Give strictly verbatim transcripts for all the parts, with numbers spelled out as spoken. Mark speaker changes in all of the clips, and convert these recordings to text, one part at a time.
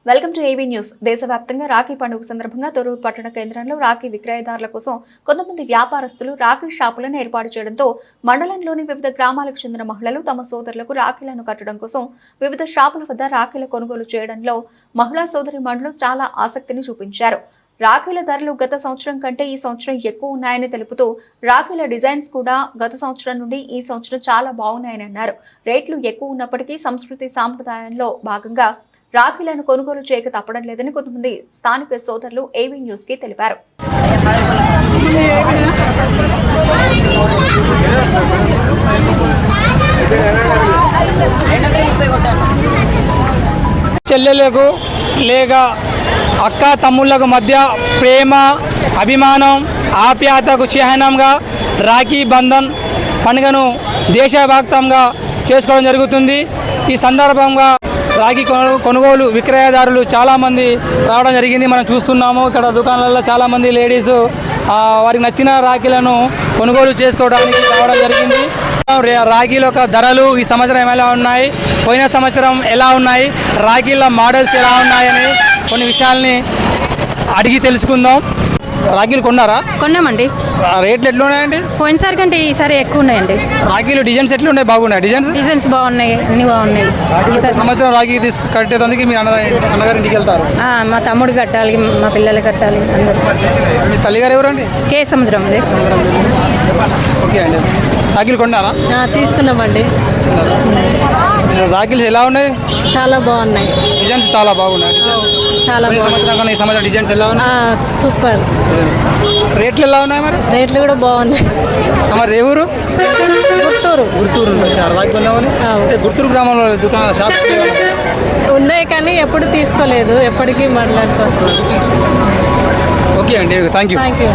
Speaker 1: Welcome to AV news. దేశవ్యాప్తంగా రాఖీ పండుగ సందర్భంగా తొర్రూరు పట్టణ కేంద్రంలో రాఖీ విక్రయదారుల కోసం కొంతమంది వ్యాపారస్తులు రాఖీ షాపులను ఏర్పాటు చేయడంతో మండలంలోని వివిధ గ్రామాలకు చెందిన మహిళలు తమ సోదరులకు రాఖీలను కట్టడం కోసం వివిధ షాపుల వద్ద రాఖీల కొనుగోలు చేయడంలో మహిళా సోదరి మండలు చాలా ఆసక్తిని చూపించారు. రాఖీల ధరలు గత సంవత్సరం కంటే ఈ సంవత్సరం ఎక్కువ ఉన్నాయని తెలుపుతూ రాఖీల డిజైన్స్ కూడా గత సంవత్సరం నుండి ఈ సంవత్సరం చాలా బాగున్నాయని అన్నారు. రేట్లు ఎక్కువ ఉన్నప్పటికీ సంస్కృతి సాంప్రదాయంలో భాగంగా రాఖీలను కొనుగోలు చేయక తప్పడం లేదని కొంతమంది స్థానిక సోదరులు ఏవీ న్యూస్ కి తెలిపారు.
Speaker 2: చెల్లెలకు లేక అక్క తమ్ముళ్లకు మధ్య ప్రేమ, అభిమానం, ఆప్యాయతకు చిహ్నంగా రాఖీ బంధన్ పండుగను దేశవ్యాప్తంగా చేసుకోవడం జరుగుతుంది. ఈ సందర్భంగా రాఖీ కొనుగోలు విక్రయదారులు చాలామంది రావడం జరిగింది. మనం చూస్తున్నాము ఇక్కడ దుకాణాలలో చాలామంది లేడీస్ వారికి నచ్చిన రాఖీలను కొనుగోలు చేసుకోవడానికి రావడం జరిగింది. రాఖీల యొక్క ధరలు ఈ సంవత్సరం ఎలా ఉన్నాయి, పోయిన సంవత్సరం ఎలా ఉన్నాయి, రాఖీల మోడల్స్ ఎలా ఉన్నాయని కొన్ని విషయాల్ని అడిగి తెలుసుకుందాం. రాఖీలు కొన్నారా?
Speaker 3: కొన్నామండి.
Speaker 2: రేట్లు ఎట్లా ఉన్నాయండి?
Speaker 3: పోయినసారి కంటే ఈసారి ఎక్కువ ఉన్నాయండి.
Speaker 2: రాఖీలు డిజైన్స్ ఎట్లా ఉన్నాయి? బాగున్నాయి డిజైన్స్
Speaker 3: డిజైన్స్ బాగున్నాయి, అన్ని బాగున్నాయి.
Speaker 2: సంవత్సరం రాఖీ తీసుకు కట్టేదానికి మీ అన్న అన్నగారి ఇంటికి వెళ్తారు?
Speaker 3: మా తమ్ముడు కట్టాలి, మా పిల్లలు కట్టాలి, అందరూ.
Speaker 2: మీ తల్లిగారు ఎవరండి?
Speaker 3: కే సముద్రం అండి.
Speaker 2: ఓకే అండి. రాఖీలు కొన్నారా?
Speaker 3: తీసుకున్నామండి.
Speaker 2: రాఖీలు ఎలా ఉన్నాయి?
Speaker 3: చాలా బాగున్నాయి,
Speaker 2: డిజైన్స్ చాలా బాగున్నాయి.
Speaker 3: చాలా
Speaker 2: బాగున్నాయి. ఈ సంవత్సరం డిజైన్స్ ఎలా ఉన్నాయి?
Speaker 3: సూపర్.
Speaker 2: రేట్లు ఎలా ఉన్నాయి? మరి
Speaker 3: రేట్లు కూడా బాగున్నాయి.
Speaker 2: మరి ఏ ఊరు?
Speaker 3: గుంటూరు.
Speaker 2: గుంటూరు రాఖీ కొన్నామని గుంటూరు గ్రామంలో దుకాణ షాప్
Speaker 3: ఉన్నాయి కానీ ఎప్పుడు తీసుకోలేదు, ఎప్పటికీ మాట్లాడుతూ వస్తుంది.
Speaker 2: ఓకే అండి, థ్యాంక్ యూ.
Speaker 3: Thank you.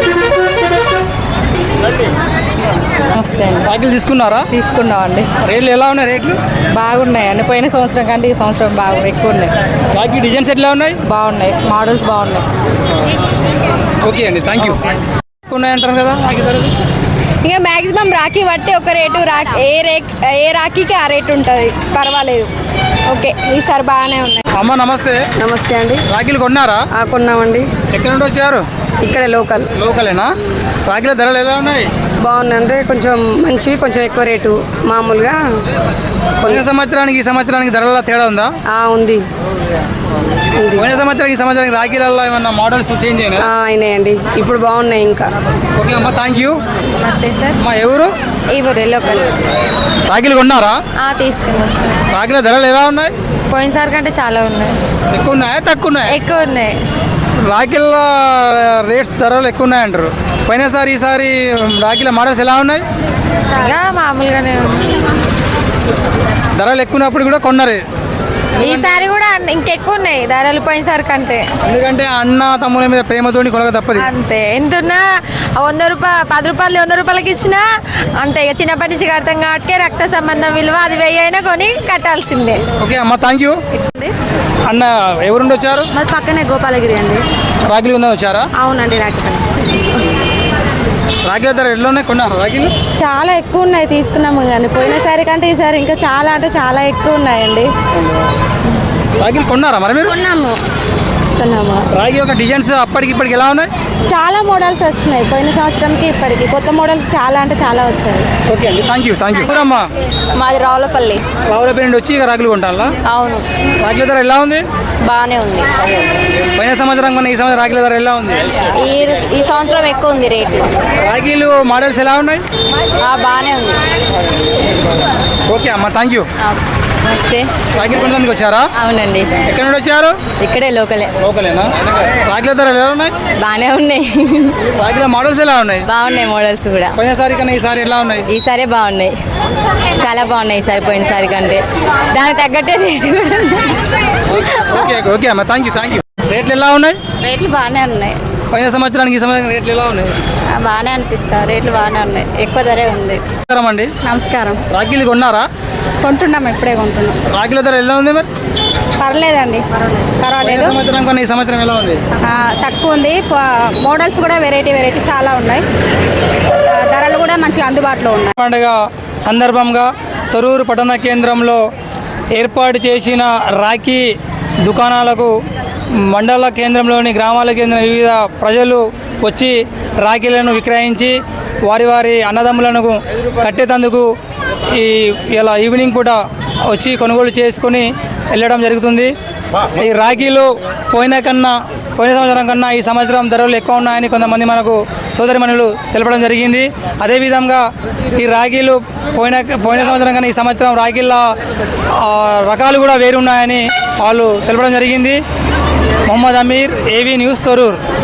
Speaker 3: నమస్తే అండి.
Speaker 2: రాఖీలు తీసుకున్నారా?
Speaker 3: తీసుకున్నామండి.
Speaker 2: రేట్లు ఎలా ఉన్నాయి? రేట్లు
Speaker 3: బాగున్నాయి అండి. పోయిన సంవత్సరం కంటే ఈ సంవత్సరం బాగా ఎక్కువ ఉన్నాయి.
Speaker 2: రాఖీ డిజైన్స్ ఎట్లా ఉన్నాయి?
Speaker 3: బాగున్నాయి, మోడల్స్ బాగున్నాయి.
Speaker 2: ఓకే అండి, థ్యాంక్ యూ. ఉన్నాయంటారు కదా రాఖీ ధరలు?
Speaker 4: ఇంకా మ్యాక్సిమం రాఖీ బట్టి ఒక రేటు, రా ఏ రే ఏ రాఖీకి ఆ రేటు ఉంటుంది, పర్వాలేదు. ఓకే, ఈసారి బాగానే ఉన్నాయి.
Speaker 2: అమ్మ నమస్తే.
Speaker 4: నమస్తే అండి.
Speaker 2: రాఖీలు కొన్నారా?
Speaker 4: కొన్నామండి.
Speaker 2: ఎక్కడ నుండి వచ్చారు?
Speaker 4: ఇక్కడ లోకల్.
Speaker 2: లోకలేనా? రాఖీల ధరలు ఎలా ఉన్నాయి?
Speaker 4: బాగుందండి, కొంచెం మంచివి, కొంచెం ఎక్కువ రేటు. మామూలుగా
Speaker 2: పోయిన సంవత్సరానికి ఈ సంవత్సరానికి ధరల తేడా ఉందా?
Speaker 4: ఉంది.
Speaker 2: పోయిన సంవత్సరానికి ఈ సంవత్సరానికి రాఖీలలో ఏమన్నా మోడల్స్ చేంజ్ అయినా?
Speaker 4: అయినాయండి, ఇప్పుడు బాగున్నాయి ఇంకా.
Speaker 2: ఓకే అమ్మ, థ్యాంక్ యూ.
Speaker 4: నమస్తే సార్.
Speaker 2: మా ఎవరు?
Speaker 4: ఈ ఊరే లోకల్.
Speaker 2: రాఖీలు కొన్నారా?
Speaker 4: తీసుకున్నాం సార్.
Speaker 2: రాఖీల ధరలు ఎలా ఉన్నాయి?
Speaker 4: పోయినసారి కంటే చాలా ఉన్నాయి.
Speaker 2: ఎక్కువ ఉన్నాయా తక్కువ ఉన్నాయా?
Speaker 4: ఎక్కువ ఉన్నాయి.
Speaker 2: రాఖీల రేట్స్ ధరలు ఎక్కువ ఉన్నాయంటారు. పోయినసారి ఈసారి రాఖీల మోడల్స్ ఎలా ఉన్నాయి?
Speaker 4: చాలా మామూలుగానే ఉన్నాయి.
Speaker 2: ధరలు ఎక్కువ ఉన్నప్పుడు కూడా కొన్నారు.
Speaker 4: ఈసారి కూడా ఇంకెక్కువ ఉన్నాయి ధరలు పోయినసారి కంటే.
Speaker 2: ఎందుకంటే అన్న తమ్ముల మీద ప్రేమతోని కొనక తప్పదు.
Speaker 4: అంతే, ఎంతున్నా వంద రూపాయలు పది రూపాయలు వంద రూపాయలకి ఇచ్చినా అంతే. ఇక చిన్నప్పటి నుంచి కడతాం కాబట్టి రక్త సంబంధం విలువ అది వెయ్యి అయినా కొని కట్టాల్సిందే.
Speaker 2: ఓకే అమ్మ, థ్యాంక్ యూ. అన్న ఎవరుండి వచ్చారు?
Speaker 3: మరి పక్కనే గోపాలగిరి అండి.
Speaker 2: రాఖీలు ఉందా వచ్చారా?
Speaker 3: అవునండి. రాఖీ
Speaker 2: రాఖీల ధర ఎట్లా ఉన్నాయి? కొన్నారు రాఖీలు?
Speaker 3: చాలా ఎక్కువ ఉన్నాయి, తీసుకున్నాము కానీ పోయినసారి కంటే ఈసారి ఇంకా చాలా అంటే చాలా ఎక్కువ ఉన్నాయండి.
Speaker 2: రాఖీలు కొన్నారా మరి మీరు?
Speaker 3: కొన్నాము. కొన్నాము.
Speaker 2: రాఖీ యొక్క డిజైన్స్ అప్పటికి ఇప్పటికి ఎలా ఉన్నాయి?
Speaker 3: చాలా మోడల్స్ వచ్చినాయి, పోయిన సంవత్సరంకి ఇప్పటికి కొత్త మోడల్స్ చాలా అంటే చాలా వచ్చాయి.
Speaker 2: ఓకే అండి, థ్యాంక్ యూ. Thank you. అమ్మా
Speaker 3: మాది రావులపల్లి.
Speaker 2: రావులపల్లి నుండి వచ్చి ఇక రాఖీలు కొంటారా?
Speaker 3: అవును.
Speaker 2: రాఖీల ధర ఎలా ఉంది?
Speaker 3: బాగానే ఉంది.
Speaker 2: పోయిన సంవత్సరం కన్నా ఈ సంవత్సరం రాఖీల ధర ఎలా ఉంది?
Speaker 3: ఈ ఈ సంవత్సరం ఎక్కువ ఉంది రేట్లు.
Speaker 2: రాఖీలు మోడల్స్ ఎలా ఉన్నాయి?
Speaker 3: బాగానే ఉంది.
Speaker 2: ఓకే అమ్మా, థ్యాంక్ యూ.
Speaker 3: నమస్తే.
Speaker 2: రాఖీలు కొనడానికి వచ్చారా?
Speaker 3: అవునండి.
Speaker 2: ఎక్కడ నుండి వచ్చారు?
Speaker 3: ఇక్కడే లోకలే.
Speaker 2: లోకలేనా? రాఖీల ధరలు ఎలా ఉన్నాయి?
Speaker 3: బాగానే ఉన్నాయి.
Speaker 2: రాఖీల మోడల్స్ ఎలా ఉన్నాయి?
Speaker 3: బాగున్నాయి మోడల్స్ కూడా.
Speaker 2: పోయినసారి కన్నా ఈసారి ఎలా ఉన్నాయి?
Speaker 3: ఈసారి బాగున్నాయి, చాలా బాగున్నాయి ఈసారి పోయినసారి కంటే. దానికి తగ్గట్టే రేటు కూడా.
Speaker 2: ఓకే ఓకే అమ్మా, థ్యాంక్ యూ. Thank you. రేట్లు ఎలా ఉన్నాయి?
Speaker 3: రేట్లు బాగానే ఉన్నాయి.
Speaker 2: పోయిన సంవత్సరానికి ఈ సంవత్సరం రేట్లు ఎలా ఉన్నాయి?
Speaker 3: బాగానే అనిపిస్తా, రేట్లు బాగానే ఉన్నాయి, ఎక్కువ ధరే ఉంది.
Speaker 2: నమస్కారం అండి.
Speaker 3: నమస్కారం.
Speaker 2: రాఖీలు కొన్నారా?
Speaker 3: కొంటున్నాం, ఎప్పుడే కొంటున్నాం.
Speaker 2: రాఖీల ధర ఎలా ఉంది మరి?
Speaker 3: పర్లేదండి, పర్వాలేదు.
Speaker 2: సంవత్సరం కన్నా ఈ సంవత్సరం ఎలా ఉంది?
Speaker 3: తక్కువ ఉంది. మోడల్స్ కూడా వెరైటీ వెరైటీ చాలా ఉన్నాయి, ధరలు కూడా మంచిగా అందుబాటులో ఉన్నాయి.
Speaker 2: పండుగ సందర్భంగా తొర్రూరు పట్టణ కేంద్రంలో ఏర్పాటు చేసిన రాఖీ దుకాణాలకు మండల కేంద్రంలోని గ్రామాలకు చెందిన వివిధ ప్రజలు వచ్చి రాఖీలను విక్రయించి వారి వారి అన్నదమ్ములను కట్టేటందుకు ఈ ఇలా ఈవినింగ్ పూట వచ్చి కొనుగోలు చేసుకొని వెళ్ళడం జరుగుతుంది. ఈ రాఖీలు పోయిన కన్నా పోయిన సంవత్సరం కన్నా ఈ సంవత్సరం ధరలు ఎక్కువ ఉన్నాయని కొంతమంది మనకు సోదరిమణులు తెలపడం జరిగింది. అదేవిధంగా ఈ రాఖీలు పోయిన పోయిన సంవత్సరం కన్నా ఈ సంవత్సరం రాఖీల రకాలు కూడా వేరున్నాయని వాళ్ళు తెలపడం జరిగింది. Mohammed Aamir, AV news, Thorrur.